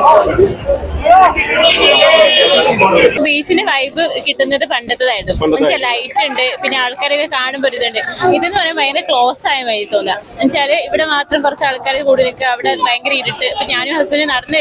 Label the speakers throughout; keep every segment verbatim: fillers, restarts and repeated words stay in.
Speaker 1: ബീച്ചിന് vibe കിട്ടുന്നത് പണ്ടത്തേതായിരുന്നു. Light ഉണ്ട്, പിന്നെ ആൾക്കാരൊക്കെ കാണുമ്പോൾ ഇതുണ്ട്. ഇതെന്ന് പറയുമ്പോൾ ഭയങ്കര ക്ലോസ് ആയ വഴി തോന്നുക. എന്നുവെച്ചാല് ഇവിടെ മാത്രം കുറച്ച് ആൾക്കാർ കൂടി നിൽക്കുക, അവിടെ ഭയങ്കര ഇരുട്ട്. ഇപ്പൊ ഞാനും ഹസ്ബൻഡ് നടന്നു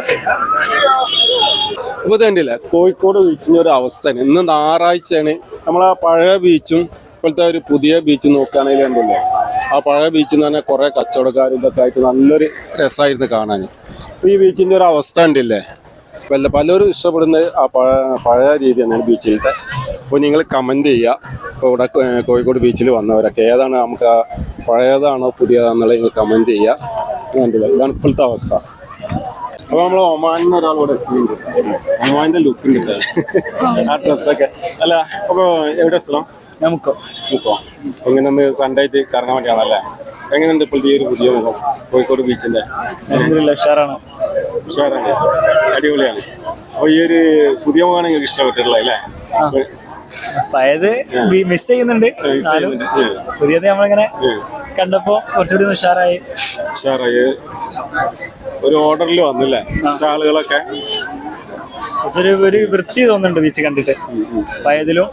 Speaker 2: ഇപ്പൊ തന്നെയില്ല കോഴിക്കോട് ബീച്ചിന്റെ ഒരു അവസ്ഥ. ഇന്ന് ഞായറാഴ്ചയാണ്. നമ്മളാ പഴയ ബീച്ചും ഇപ്പോഴത്തെ ഒരു പുതിയ ബീച്ച് നോക്കുകയാണെങ്കിൽ ഉണ്ടല്ലോ, ആ പഴയ ബീച്ചിൽ നിന്ന് തന്നെ കുറെ കച്ചവടക്കാർ ഇതൊക്കെ ആയിട്ട് നല്ലൊരു രസമായിരുന്നു കാണാൻ. ഈ ബീച്ചിന്റെ ഒരു അവസ്ഥ ഉണ്ടല്ലേ, വല്ല പലരും ഇഷ്ടപ്പെടുന്നത് ആ പഴയ പഴയ രീതി തന്നെയാണ് ബീച്ചിലത്തെ. അപ്പോൾ നിങ്ങൾ കമൻറ്റ് ചെയ്യുക. ഇപ്പോൾ ഇവിടെ കോഴിക്കോട് ബീച്ചിൽ വന്നവരൊക്കെ ഏതാണ് നമുക്ക് പഴയതാണോ പുതിയതാണെന്നുള്ളത് നിങ്ങൾ കമൻറ്റ് ചെയ്യുക. കണ്ടില്ല, ഇതാണ് ഇപ്പോഴത്തെ അവസ്ഥ. അപ്പോൾ നമ്മൾ ഒമാനിൽ ഒരാളോട് എത്തിയിട്ടുണ്ട്. ഒമാനിൻ്റെ ലുക്കും കിട്ടുക ആ ഡ്രസ്സൊക്കെ അല്ല. അപ്പോൾ എവിടെ സ്ഥലം?
Speaker 3: നമുക്കോ
Speaker 2: നമുക്കോ എങ്ങനെ ഒന്ന് സൺഡേ ആയിട്ട് കറങ്ങാൻ വേണ്ടിയാണല്ലേ? എങ്ങനെയുണ്ട് ഇപ്പോഴത്തെ ഈ ഒരു പുതിയ മുഖം കോഴിക്കോട് ബീച്ചിൻ്റെ?
Speaker 3: ഉഷാറാണ്,
Speaker 2: ഉഷാറാണ്, അടിപൊളിയാണ്. അപ്പോൾ ഈ ഒരു പുതിയ മുഖമാണ് നിങ്ങൾക്ക് ഇഷ്ടപ്പെട്ടിട്ടുള്ളത് അല്ലേ?
Speaker 3: പഴയത് മിസ് ചെയ്യുന്നുണ്ട്, പുതിയത് നമ്മളിങ്ങനെ കണ്ടപ്പോ കുറച്ചുകൂടി ഉഷാറായി.
Speaker 2: ഉഷാറായി ഒരു ഓർഡറിൽ വന്നില്ലേ ആളുകളൊക്കെ?
Speaker 3: ഒരു ഒരു വൃത്തി തോന്നുന്നുണ്ട് ബീച്ച് കണ്ടിട്ട്, പഴയതിലും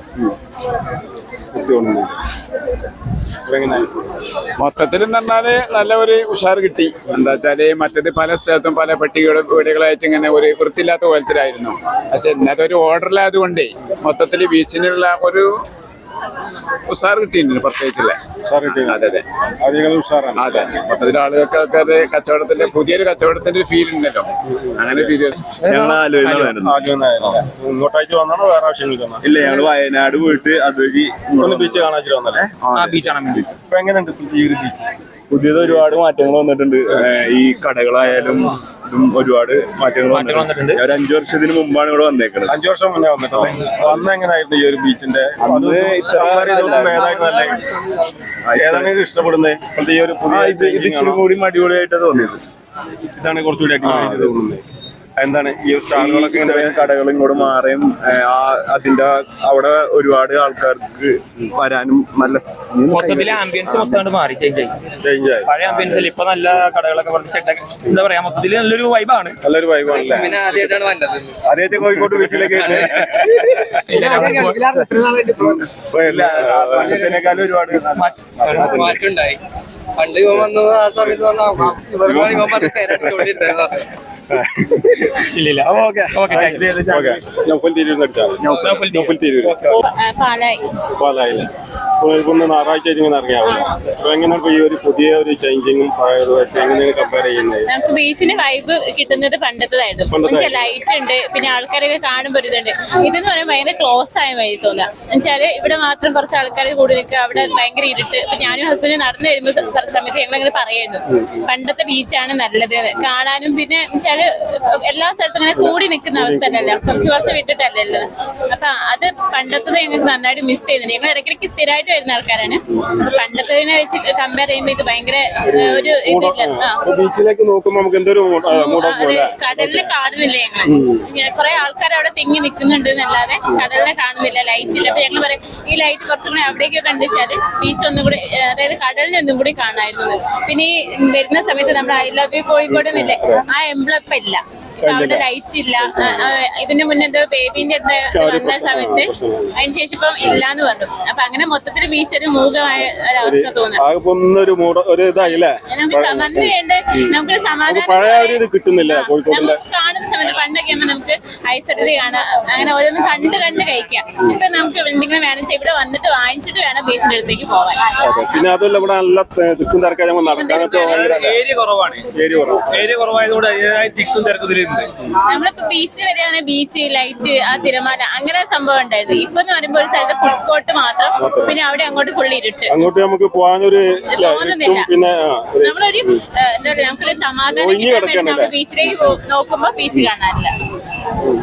Speaker 4: മൊത്തത്തിൽ പറഞ്ഞാല് നല്ല ഒരു ഉഷാർ കിട്ടി. എന്താ വെച്ചാല് മറ്റത് പല സ്ഥലത്തും പല പെട്ടികളും വീടുകളായിട്ട് ഇങ്ങനെ ഒരു വൃത്തിയില്ലാത്ത പോലത്തിലായിരുന്നു. പക്ഷെ ഇന്നത്തെ ഒരു ഓർഡറിലായത് കൊണ്ടേ മൊത്തത്തിൽ ബീച്ചിനുള്ള ഒരു ഉഷാർ കിട്ടിയിട്ടുണ്ട്. പ്രത്യേകിച്ചല്ലേ അതെ അതെ അതെ മൊത്തത്തിൽ ആളുകൾക്കൊക്കെ അത് കച്ചവടത്തിന്റെ പുതിയൊരു കച്ചവടത്തിന്റെ ഒരു ഫീൽ ഉണ്ടല്ലോ, അങ്ങനെ ഫീൽ.
Speaker 2: ഇങ്ങോട്ടേക്ക് വന്നാണോ വേറെ ആവശ്യങ്ങൾക്ക്?
Speaker 5: ഇല്ല, ഞങ്ങള് വയനാട് പോയിട്ട് അതുവഴി
Speaker 2: ബീച്ച് കാണാൻ വന്നല്ലേ? ഇപ്പൊ എങ്ങനെയുണ്ട് ഈ ഒരു ബീച്ച്?
Speaker 5: പുതിയത് ഒരുപാട് മാറ്റങ്ങൾ വന്നിട്ടുണ്ട്. ഈ കടകളായാലും ഇതും ഒരുപാട് മാറ്റങ്ങൾ വന്നിട്ടുണ്ട്. ഒരു അഞ്ചു വർഷത്തിന് മുമ്പാണ് ഇവിടെ വന്നേക്കുന്നത്.
Speaker 2: അഞ്ചു വർഷം മുന്നേ വന്നിട്ടുണ്ട്. അന്ന് എങ്ങനെയായിരുന്നു ഈ ഒരു ബീച്ചിന്റെ? ഏതാണ് ഇഷ്ടപ്പെടുന്നത് ഈ ഒരു പുതിയ?
Speaker 5: ഇത് ഇച്ചിരി കൂടി അടിപൊളിയായിട്ട് തോന്നിയത്.
Speaker 2: ഇതാണ് കുറച്ചുകൂടി അടിപൊളിയായിട്ട് തോന്നുന്നത്. എന്താണ് ഈ സ്റ്റാളുകളൊക്കെ
Speaker 5: കടകൾ ഇങ്ങോട്ട് മാറിയും അതിന്റെ അവിടെ ഒരുപാട് ആൾക്കാർക്ക് വരാനും നല്ല
Speaker 6: മൊത്തത്തില് ആംബിയൻസ് മൊത്തം മാറി, ചേഞ്ച് ആയി. പഴയ ആംബിയൻസിൽ ഇപ്പൊ നല്ല കടകളൊക്കെ പറഞ്ഞ് സെറ്റൊക്കെ എന്താ പറയാ, മൊത്തത്തില് നല്ലൊരു വൈബാണ്.
Speaker 2: നല്ലൊരു വൈബാണല്ലേ?
Speaker 6: പിന്നെ ആദ്യമായിട്ടാണ് വന്നത്.
Speaker 2: ആദ്യമായിട്ട് കോഴിക്കോട് ബീച്ചിലേക്ക് ഒരുപാട്
Speaker 6: മാറ്റമുണ്ടായി. പണ്ട് ഇവൻ വന്നു ആ സമയത്ത് വന്ന
Speaker 2: ഞായറാഴ്ച ഇങ്ങനെ ഇറങ്ങിയാവില്ല. അപ്പൊ എങ്ങനെയാണ് ഈ ഒരു പുതിയ ഒരു ചേഞ്ചിങ്ങും പഴയതുമായിട്ട് എങ്ങനെയാണ് കമ്പയർ ചെയ്യുന്നത്?
Speaker 1: നമുക്ക് ബീച്ചിന് വൈബ് കിട്ടുന്നത് പണ്ടത്തേതായിരുന്നു. ലൈറ്റ് ഉണ്ട്, പിന്നെ ആൾക്കാരൊക്കെ കാണുമ്പോൾ ഇതുണ്ട്. ഇതെന്ന് പറയുമ്പോൾ ഭയങ്കര ക്ലോസ് ആയ വഴി തോന്നുക. എന്നുവെച്ചാല് ഇവിടെ മാത്രം കുറച്ച് ആൾക്കാർ കൂടി നിൽക്കുക, അവിടെ ഭയങ്കര ഇരുട്ട്. ഇപ്പൊ ഞാനും ഹസ്ബൻഡ് നടന്നു വരുമ്പോൾ സമയത്ത് ഞങ്ങളിങ്ങനെ പറയായിരുന്നു പണ്ടത്തെ ബീച്ചാണ് നല്ലത് കാണാനും. പിന്നെ വെച്ചാല് എല്ലാ സ്ഥലത്തും ഇങ്ങനെ കൂടി നിൽക്കുന്ന അവസ്ഥ അല്ലല്ലോ, കുറച്ച് കുറച്ച് വിട്ടിട്ടല്ലല്ലോ. അപ്പൊ അത് പണ്ടത്തത് ഞങ്ങൾക്ക് നന്നായിട്ട് മിസ് ചെയ്യുന്നുണ്ട്. ഞങ്ങൾ ഇടയ്ക്കിടയ്ക്ക് സ്ഥിരമായിട്ട് വരുന്ന ആൾക്കാരാണ്. പണ്ടത്തതിനെ വെച്ച് കമ്പയർ ചെയ്യുമ്പോൾ ഇത് ഭയങ്കര ഒരു ഇതില്ല.
Speaker 2: ബീച്ചിലേക്ക് നോക്കുമ്പോൾ നമുക്ക് എന്തൊരു
Speaker 1: കടലിനെ കാണുന്നില്ല ഞങ്ങൾ. കുറെ ആൾക്കാർ അവിടെ തിങ്ങി നിൽക്കുന്നുണ്ട് എന്നല്ലാതെ കടലിനെ കാണുന്നില്ല, ലൈറ്റില്ല. അപ്പൊ ഞങ്ങൾ പറയും ഈ ലൈറ്റ് കുറച്ചും കൂടി അവിടേക്ക് കണ്ടുവെച്ചാല് ബീച്ച് ഒന്നും കൂടി, അതായത് കടലിനെ ഒന്നും കൂടി കാണാമായിരുന്നു. പിന്നെ ഈ വരുന്ന സമയത്ത് നമ്മുടെ ഐ ലവ് യു കോഴിക്കോട് എന്നില്ലേ, ആ എംബ്ലം ഇപ്പൊ ഇല്ല. അവിടെ ലൈറ്റ് ഇല്ല. ഇതിന്റെ മുന്നേ എന്തോ ബേബിന്റെ എന്താ വന്ന സമയത്ത് അതിനുശേഷം ഇപ്പം ഇല്ലാന്ന് പറഞ്ഞു. അപ്പൊ അങ്ങനെ മൊത്തത്തിൽ ബീച്ച് ഒരു മൂകമായ ഒരവസ്ഥ തോന്നുന്നു. നമുക്ക് വന്നു വേണ്ട നമുക്കൊരു സമാധാനം കാണുന്ന സമയത്ത് പണ്ടൊക്കെ ആകുമ്പോൾ നമുക്ക് ഐസടുത്ത് കാണാം, അങ്ങനെ ഓരോന്നും കണ്ട് കണ്ട് കഴിക്കാം. ഇപ്പൊ നമുക്ക് എന്തെങ്കിലും വേണം വെച്ചാൽ ഇവിടെ വന്നിട്ട് വാങ്ങിച്ചിട്ട് വേണം ബീച്ചിന്റെ അടുത്തേക്ക് പോവാൻ.
Speaker 2: പിന്നെ അതല്ല ഇവിടെ നല്ല തിക്കും തിരക്കാതെ
Speaker 6: ഏരിയ കുറവാണ്. ഏരിയ കുറവായതുകൊണ്ട് അതിൻ്റെതായ തിക്കും തിരക്കത്തിലുണ്ട്.
Speaker 1: നമ്മളിപ്പോ ബീച്ചിൽ വരികയാണെങ്കിൽ ബീച്ച് ലൈറ്റ് ആ തിരമാല അങ്ങനെ സംഭവം ഉണ്ടായിരുന്നു. ഇപ്പൊ എന്ന് പറയുമ്പോൾ ഒരു സ്ഥലത്ത് ഫുഡ് കോർട്ട് മാത്രം, പിന്നെ അവിടെ അങ്ങോട്ട് ഫുള്ളി ഇരുട്ട്.
Speaker 2: അങ്ങോട്ട് നമുക്ക് പോകാനൊരു
Speaker 1: തോന്നുന്നില്ല. നമ്മളൊരു എന്താ പറയാ, നമുക്കൊരു സമാധാനം കിട്ടാൻ വേണ്ടി നമ്മൾ ബീച്ചിലേക്ക് നോക്കുമ്പോ ബീച്ച് കാണാനില്ല.